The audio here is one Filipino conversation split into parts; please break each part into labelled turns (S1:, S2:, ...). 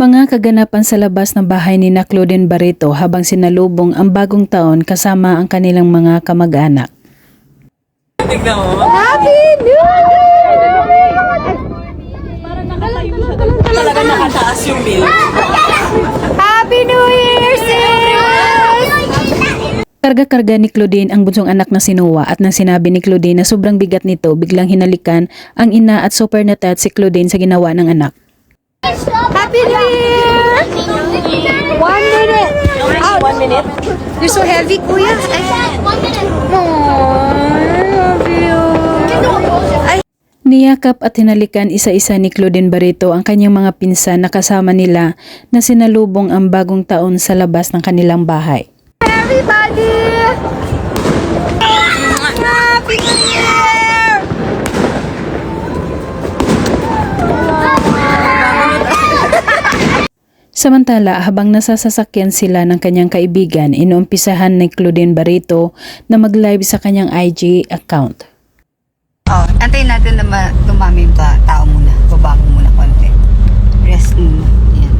S1: Mga kaganapan sa labas ng bahay ni na Claudine Barreto habang sinalubong ang bagong taon kasama ang kanilang mga kamag-anak.
S2: Tignan mo.
S3: Happy New Year!
S2: Parang nakatayo siya. Talaga nakataas yung bill.
S3: Happy New Year, sis!
S1: Karga-karga ni Claudine ang bunsong anak na si Noah at nang sinabi ni Claudine na sobrang bigat nito, biglang hinalikan ang ina at super natat si Claudine sa ginawa ng anak.
S3: Happy New Year! 1 minute! Ouch.
S2: 1 minute.
S3: You're so heavy, kuya. Love you.
S1: Niyakap at hinalikan isa-isa ni Claudine Barreto ang kanyang mga pinsan na kasama nila na sinalubong ang bagong taon sa labas ng kanilang bahay.
S3: Everybody! Happy New Year!
S1: Samantala, habang nasasasakyan sila ng kanyang kaibigan, inuumpisahan ni Claudine Barreto na mag-live sa kanyang IG account.
S3: Oh, antayin natin na dumami yung tao muna. Baba mo muna konti. Rest muna. Yan.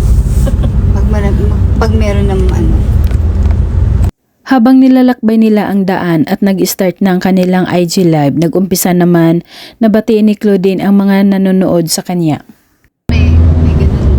S3: Pag meron ng ano.
S1: Habang nilalakbay nila ang daan at nag-start na ang kanilang IG live, nag-umpisa naman na batiin ni Claudine ang mga nanonood sa kanya.
S3: May ganun.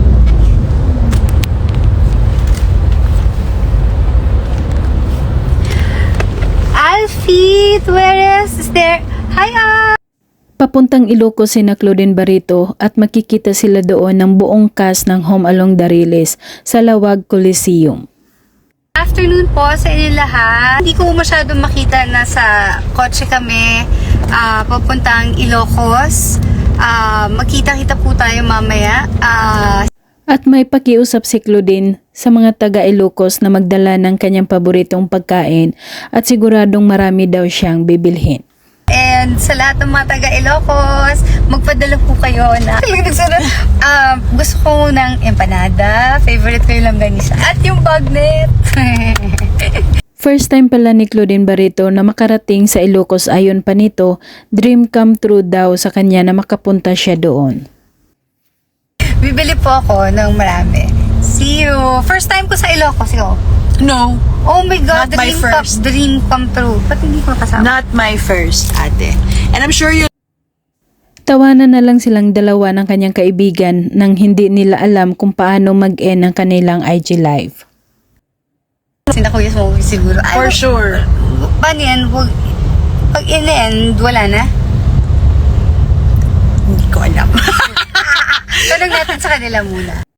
S3: Alfie, where is there? Hi,
S1: Papuntang Ilocos si na Claudine Barreto at makikita sila doon ng buong cast ng Home Along the Riles sa Lawag Coliseum.
S3: Afternoon po sa inyo lahat. Hindi ko masyadong makita na sa kotse kami papuntang Ilocos. Magkita-kita po tayo mamaya.
S1: At may pakiusap si Claudine sa mga taga Ilocos na magdala ng kanyang paboritong pagkain at siguradong marami daw siyang bibilhin.
S3: And sa lahat ng mga taga Ilocos, magpadala po kayo na gusto ko ng empanada, favorite ko yung langganisa at yung bagnet.
S1: First time pala ni Claudine Barreto na makarating sa Ilocos, ayon pa nito, dream come true daw sa kanya na makapunta siya doon.
S3: Bibili po ako ng marami. See you! First time ko sa Ilocos, ikaw.
S2: No,
S3: Oh my God,
S2: Not my first.
S3: dream come true. Ba't hindi ko kasama?
S2: not my first, ate. And I'm sure you
S1: Tawanan na lang silang dalawa ng kanyang kaibigan nang hindi nila alam kung paano mag-end ang kanilang IG live.
S3: Sina Kuya Smoky siguro.
S2: for sure.
S3: Paano yan? Pag in-end, wala na?
S2: Hindi ko alam.
S3: Tanong natin sa kanila muna.